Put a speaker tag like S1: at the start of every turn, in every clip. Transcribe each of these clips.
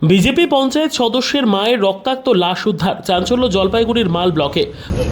S1: BJP panchayat সদস্যের মায়ের রক্তাক্ত লাশ উদ্ধার, চাঞ্চল্য জলপাইগুড়ির মাল ব্লকে।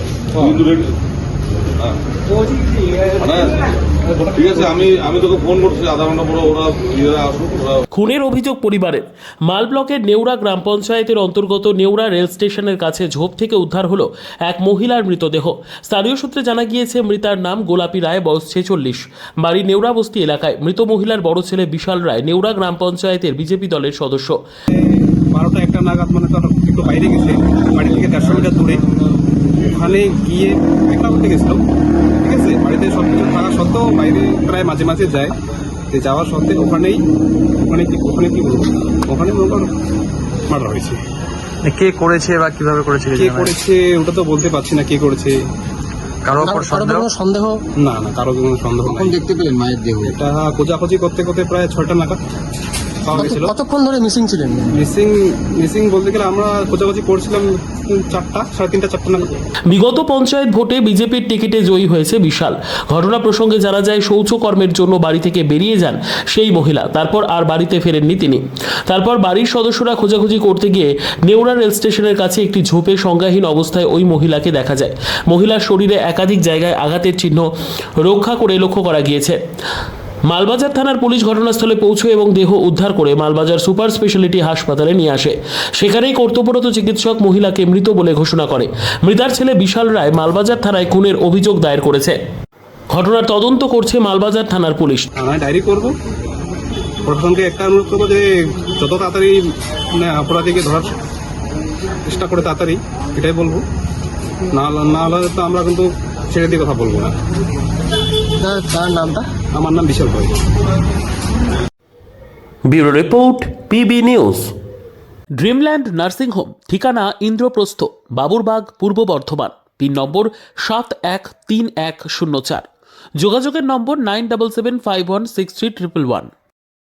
S2: ঠিক আছে, আমি তোকে ফোন করছি আধা ঘন্টা পরে, ওরা নিজেরা আসুক।
S1: খুনের অভিযোগ পরিবারের। মাল ব্লকের নেউরা গ্রাম পঞ্চায়েতের অন্তর্গত নেউরা রেল স্টেশনের কাছে ঝোপ থেকে উদ্ধার হলো এক মহিলার মৃতদেহ। স্থানীয় সূত্রে জানা গিয়েছে মৃতার নাম গোলাপী রায়, বয়স 46, বাড়ি নেউরা বস্তি এলাকায়। মৃত মহিলার বড় ছেলে বিশাল রায় নেউরা গ্রাম পঞ্চায়েতের বিজেপি দলের সদস্য।
S3: 12টা-1টা নাগাদ মানে তারা একটু বাইরে গেছে, বাড়ি থেকে 150 মিটার দূরে। ওখানে গিয়ে দেখা করতে গেছিল, ঠিক আছে। বাড়িতে সব কিছু থাকা সত্ত্বেও বাইরে প্রায় মাঝে মাঝে যায়। যাওয়ার সত্ত্বে ওখানে কি বলবো, ওখানে মার্ডার হয়েছে।
S4: কে করেছে বা কিভাবে করেছে
S3: কে করেছে ওটা তো বলতে পারছি না, কে করেছে।
S4: কারো উপর সন্দেহ?
S3: না, কারো কোনো সন্দেহ
S5: কখন
S3: নেই।
S5: দেখতে পেলেন মায়ের দেহ?
S3: এটা খোঁজাখুঁজি করতে করতে প্রায় 6টা নাগাদ পাওয়া গেছিল।
S5: কতক্ষণ ধরে মিসিং ছিলেন?
S3: মিসিং বলতে গেলে আমরা খোঁজাখুঁজি করছিলাম 4টা নাগাদ।
S1: বিগত পঞ্চায়েত ভোটে বিজেপির টিকিটে জয়ী হয়েছে বিশাল। ঘটনা প্রসঙ্গে জানা যায় শৌচকর্মের জন্য বাড়ি থেকে বেরিয়ে যান সেই মহিলা, তারপর আর বাড়িতে ফেরেননি তিনি। তারপর বাড়ির সদস্যরা খোঁজাখুঁজি করতে গিয়ে নেউরা রেল স্টেশনের কাছে একটি ঝোপে সংজ্ঞাহীন অবস্থায় ওই মহিলাকে দেখা যায়। মহিলার শরীরে একাধিক জায়গায় আঘাতের চিহ্ন লক্ষ্য করা গিয়েছে। মালবাজার থানার পুলিশ ঘটনাস্থলে পৌঁছয় এবং দেহ উদ্ধার করে মালবাজার সুপার স্পেশালিটি হাসপাতালে নিয়ে আসে। সেখানেই কর্তব্যরত চিকিৎসক মহিলাকে মৃত বলে ঘোষণা করে। মৃতার ছেলে বিশাল রায় মালবাজার থানায় খুনের অভিযোগ দায়ের করেছে। ঘটনার তদন্ত করছে মালবাজার থানার পুলিশ।
S3: থানায় ডায়েরি করব। প্রশাসনকে একটা অনুরোধ করবো যে যত তাড়াতাড়ি মানে অপরাধীকে ধরার চেষ্টা করে তাড়াতাড়ি, এটাই বলবো। না হলে তো আমরা কিন্তু ছেড়ে দিয়ে কথা বলবো না।
S5: তার নামটা?
S3: আমার নাম বিশাল ভাই।
S1: Bureau report, PB news. Dreamland nursing home, ঠিকানা ইন্দ্রপ্রস্থ, বাবুরবাগ, পূর্ব বর্ধমান। পিন নম্বর 713104। যোগাযোগের নম্বর 9775163111।